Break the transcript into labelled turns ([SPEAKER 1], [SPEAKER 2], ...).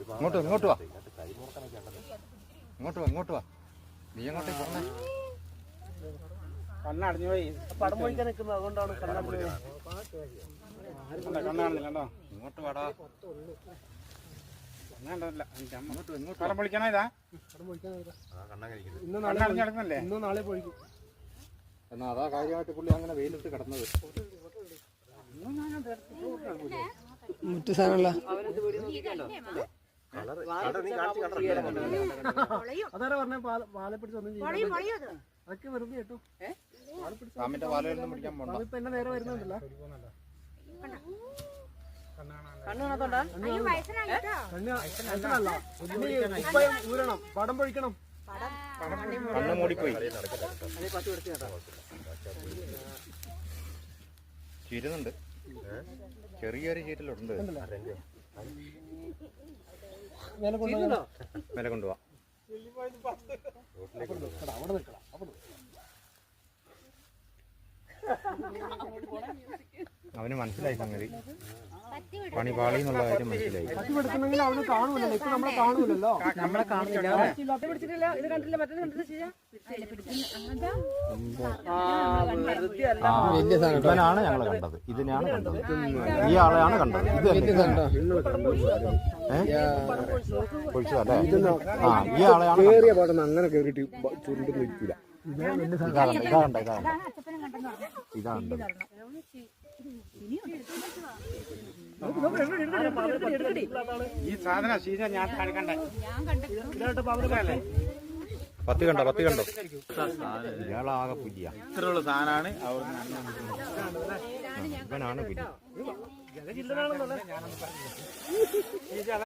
[SPEAKER 1] ഇങ്ങോട്ട് ഇങ്ങോട്ട് വാ, ഇങ്ങോട്ട് വാ, ഇങ്ങോട്ട് വാ. നീ എങ്ങോട്ടേക്ക് പറഞ്ഞേ?
[SPEAKER 2] കണ്ണടഞ്ഞു പോയി. പടം പൊഴിക്കാൻ നിൽക്കുന്നത് അതുകൊണ്ടാണ് കണ്ണടഞ്ഞു. കണ്ണാണെന്നില്ലല്ലോ.
[SPEAKER 1] ഇങ്ങോട്ട് വാടാ.
[SPEAKER 2] പടം പൊളിക്കണോ? ഇതാ കണ്ണടഞ്ഞല്ലേ?
[SPEAKER 3] ഇന്നും നാളെ പൊഴിക്കും.
[SPEAKER 1] എന്നാ അതാ കാര്യമായിട്ട് പുള്ളി അങ്ങനെ വെയിലിട്ട് കിടന്നത്.
[SPEAKER 3] മറ്റു സാധനമല്ല അതാരാ പറഞ്ഞ പാലെ പിടിച്ച് ഒന്നും ചെയ്യും. അതൊക്കെ വെറുതെ കേട്ടോ.
[SPEAKER 1] പാമ്പിന്റെ പാലൊന്നും പിടിക്കാൻ പോകണ്ട.
[SPEAKER 3] ഇപ്പൊ എന്നെ നേരെ വരുന്നുണ്ടല്ലോ. ഊരണം, പടം പൊഴിക്കണം.
[SPEAKER 1] കണ്ണ് മൂടിപ്പോയി. ചീരുന്നുണ്ട്, ചെറിയൊരു ചീറ്റലുണ്ട്. മേലെ കൊണ്ടുപോവാ. അവന് മനസ്സിലായി സംഗതി, പണി പാളി എന്നുള്ള കാര്യം മനസ്സിലായി.
[SPEAKER 3] പറ്റിപ്പെടുക്കണമെങ്കിൽ അവന് കാണൂലല്ലോ. ഇപ്പൊ നമ്മളെ കാണൂലല്ലോ.
[SPEAKER 2] നമ്മളെ കാണില്ല.
[SPEAKER 1] ഇവനാണ് ഞങ്ങൾ കണ്ടത്, ഇതിനെയാണ് കണ്ടത്, ഈ ആളെയാണ് കണ്ടത്. ഇത് പൊഴിച്ചതല്ലേ? ആ, ഈ ആളെയാണ്
[SPEAKER 3] കേറിയ പാടുന്ന അങ്ങനെ കേറിയിട്ട് ചുരുണ്ടൊന്നും ഇരിക്കൂല.
[SPEAKER 1] ഇതാണ്ട് ഇതാണ്ട്
[SPEAKER 2] ഈ സാധനം ശീല ഞാൻ കണ്ടേ.
[SPEAKER 1] പത്തി കണ്ടോ? ഇയാളാകെ പുലിയ.
[SPEAKER 2] ഇത്രയുള്ള സാധനമാണ്.
[SPEAKER 1] ഇവനാണ് പുലി.